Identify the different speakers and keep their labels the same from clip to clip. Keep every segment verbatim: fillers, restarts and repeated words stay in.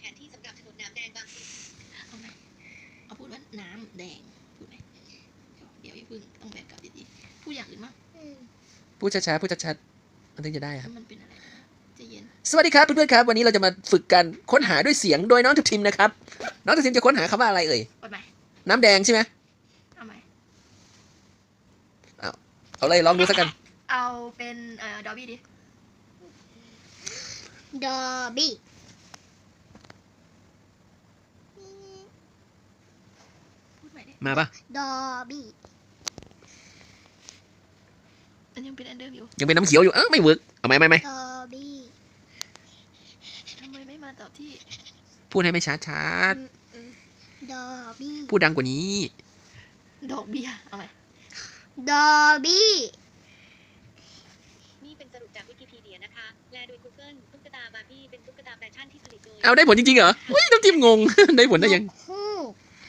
Speaker 1: นที่สำหรับถนนน้ำแดงบางพลีเอาไหมเอาพูดว่าน้ำแดงพูดไหมเดี๋ยวอย่าเพิ่งต้องแบบกลับดีๆพูดอย่างอื่นมั้ง
Speaker 2: พูดช้าๆพูดชัดๆมันถึงจะได้ครับ
Speaker 1: มันเป็นอะไรนะใจเย็น
Speaker 2: สวัสดีครับเพื่อนๆครับวันนี้เราจะมาฝึกการค้นหาด้วยเสียงโดยน้องทัพทิมนะครับน้องทัพทิมจะค้นหาคำว่าอะไรเอ่ย
Speaker 1: เอาไหม
Speaker 2: น้ำแดงใช่ไหม
Speaker 1: เอาไหม
Speaker 2: เอาเลยลองดูสักกัน
Speaker 1: เอาเป็นเอ่อดอบี้ดิ
Speaker 3: ดอบี้
Speaker 1: พูดใหม่ดิ
Speaker 2: มาปะ
Speaker 3: ดอบี้
Speaker 1: มันยังเป็นอันเดิมอยู่
Speaker 2: ยังเป็นน้ำเขียวอยู่เอ้าไม่เวิร์กเอาไหมไม่ไม่
Speaker 3: ดอบี้
Speaker 1: ทำไมไม่มาตอบที่
Speaker 2: พูดให้ไม่ชัดชัด
Speaker 3: ดอบี้
Speaker 2: พูดดังกว่านี้
Speaker 1: ดอกเบี้ยเอาไหม
Speaker 3: ดอบี้
Speaker 1: นี่เป็นสรุปจากวิกิพีเดียนะคะ แลโดย Google ตุ๊กตาบาร์บี้เป็นตุ๊กตาแฟชั่นที่ผลิตโดย
Speaker 2: เอาได้ผลจริงๆเหรอเฮ้ยน้ำทิมงง ได้ผลได้ยัง
Speaker 3: ฮูก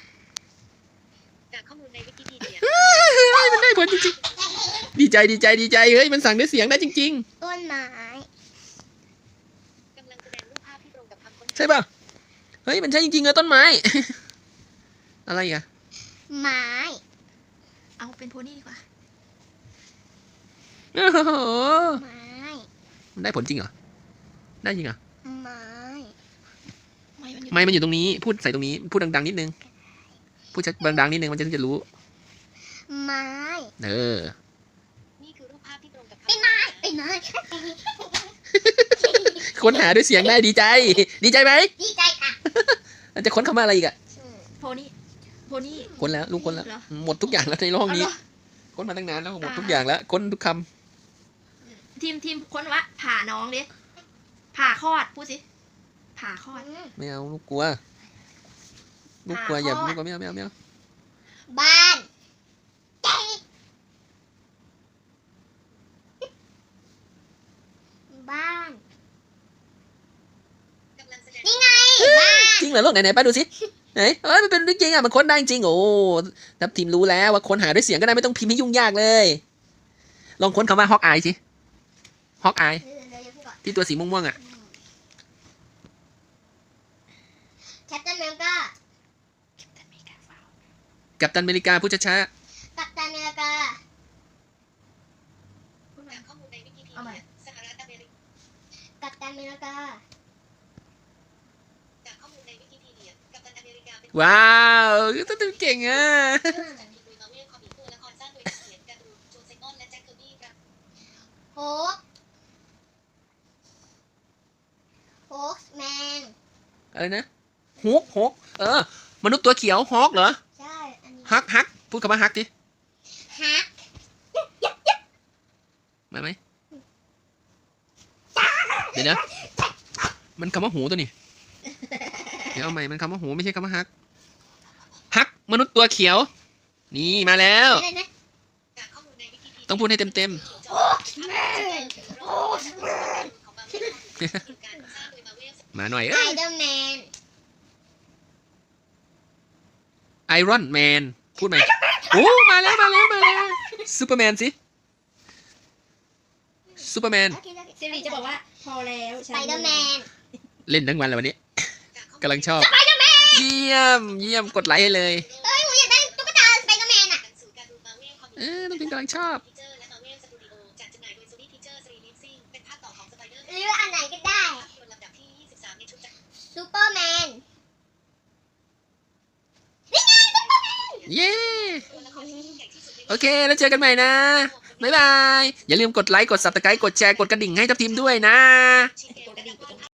Speaker 1: จากข้อมูลในวิกิพีเดีย
Speaker 2: มันได้ผลจริงๆดีใจดีใจดีใจเฮ้ยมันสั่งด้วยเสียงได้จริง
Speaker 3: ต้นไม้
Speaker 1: กำลังแสดงรูปภาพที่ตรงกับคำค้น
Speaker 2: ๆใช่ป่ะเฮ้ยมันใช่จริงๆเลยต้นไม้ อะไรอีกอะ
Speaker 3: ไม้
Speaker 1: เอาเป็นโพนี่ดีกว่า
Speaker 2: โอ้โห
Speaker 3: ไม้
Speaker 2: มันได้ผลจริงเหรอได้จริงเหรอ
Speaker 3: ไม้
Speaker 1: ไม่มันอยู่
Speaker 2: ไม่มันอยู่ตรงนี้พูดใส่ตรงนี้พูดดังๆนิดนึงพูดชัดดังๆนิดนึงมันจะจะรู้
Speaker 3: ไม้
Speaker 2: เออ
Speaker 1: นี่คือรูปภาพที่ตรงกับคำ
Speaker 3: เป็นไม้เป็นไม้
Speaker 2: ค้นหาด้วยเสียงได้ดีใจ ดีใจไหม
Speaker 3: ดีใจค่ะ
Speaker 2: มันจะค้นคำว่าอะไรอีกอะ
Speaker 1: โพนี่โพนี่
Speaker 2: ค้นแล้วลูกค้นแล้ว
Speaker 1: เหรอ
Speaker 2: หมดทุกอย่างแล้วในห้องนี้
Speaker 1: เอาเหรอ
Speaker 2: ค้นมาตั้งนานแล้วหมด
Speaker 1: อ่า
Speaker 2: ทุกอย่างแล้วค้นทุกค
Speaker 1: ทีมทีมค้นว่าผ่าน้องดิผ่าคลอดพูดสิผ่าคลอด
Speaker 2: ำไม่เอาลูกกลัวลูกกลัวอย่า
Speaker 1: หาข้อ
Speaker 2: ลูกกลัวไม่เอาไม่เอาไม่เอา
Speaker 3: บ้านบ้าน
Speaker 1: กำลังแสดง
Speaker 3: นี่ไงบ้าน
Speaker 2: จริงเหรอลูกไหนไหนป้าดูสิไหนเอ้ยมันเป็นจริงอ่ะมันค้นได้จริงโอ้ทัพทีมรู้แล้วว่าค้นหาด้วยเสียงก็ได้ไม่ต้องพิมพ์ให้ยุ่งยากเลย ลองค้นคำว่าฮอกอายสิฮอกอาย
Speaker 3: เดี๋ยวเดี๋ยวอย่าพูดก่อน
Speaker 2: ที่ตัวสีม่วงๆอ่ะ
Speaker 3: แคปตันอเมริกา
Speaker 2: กัปตันอเมริกาพูดช้า
Speaker 3: กัปตันอเมริกา
Speaker 1: พูดมา จากข้อมูลในวิกิพี
Speaker 3: เอาใหม่
Speaker 1: เดียสหรัฐอเมริกา
Speaker 3: กัปตันอเมริกา
Speaker 1: จากข้อมูลในวิกิพีเดียกัปตันอเมริกาเป็น
Speaker 2: ๆว้าวทัพทีมเก่งอ่ะ
Speaker 1: จากทีมลุยมาเวลคอมิกตัวละครสร้างโดยนักเขียนการ์ตูนโจเซงอนและแจ็คเคอร์บี้ครับ
Speaker 3: โฮกโฮกแมน
Speaker 2: อะไรนะฮกฮกเออมนุษย์ตัวเขียวฮอกเหรอ
Speaker 3: ใช่อันนี้
Speaker 2: ฮักฮักพูดคำว่าฮักดิ
Speaker 3: ฮัก
Speaker 2: มาไหมเดี๋ยวนะมันคำว่าหูตัวนี้เดี๋ยวเอาใหม่มันคำว่าหูไม่ใช่คำว่าฮักฮักมนุษย์ตัวเขียว นี่มาแล้ว
Speaker 3: อะไรนะ
Speaker 1: จากข้อมูลในวิกิพีเดีย
Speaker 2: ต้องพูดให้เต็มเต็ม
Speaker 1: โอ้แม่ของมาเวลการสร้างโดยมาเวล
Speaker 2: ๆมาหน่อย
Speaker 3: ไอ
Speaker 2: เอ้ย
Speaker 3: เดอร์แมน
Speaker 2: ไอรอนแมนพูดไหมโอ้มาแล้วมาแล้วมาแล้วซูเปอร์แมนสิซูเปอร์แมน
Speaker 1: สิริจะบอกว่าพอแล้ว
Speaker 3: สไปเดอร์แมน
Speaker 2: เล่นทั้งวันเลยวันนี้กำลังชอบเยี่ยมเยี่ยมกดไลค์ให้เลย
Speaker 3: เอ้ยหนูอยากได้ตุ๊กตาสไปเดอร์แมนอ่ะ
Speaker 2: เออต้องพิมพ์กำลังชอบ
Speaker 1: และมาเวลสตูดิโอจัดจำหน่ายโดย Sony Pictures Releasing เป็นภาคต่อของ Spider
Speaker 3: หรืออันไหนก็ได้
Speaker 1: ภาพยนตร์ลำดับที่ยี่สิบสามในชุดจักร
Speaker 3: ซูเปอร์แมน
Speaker 2: เย้
Speaker 1: ตัวละครที่ยิ่งใหญ่ที่สุดในโลก
Speaker 2: โอเคแล้วเจอกันใหม่นะบ๊ายบายอย่าลืมกดไลค์กด ซับสไครบ์ กดแชร์กดกระดิ่งให้ทัพทีมด้วยนะ
Speaker 1: ชิเกะกระดิ่ง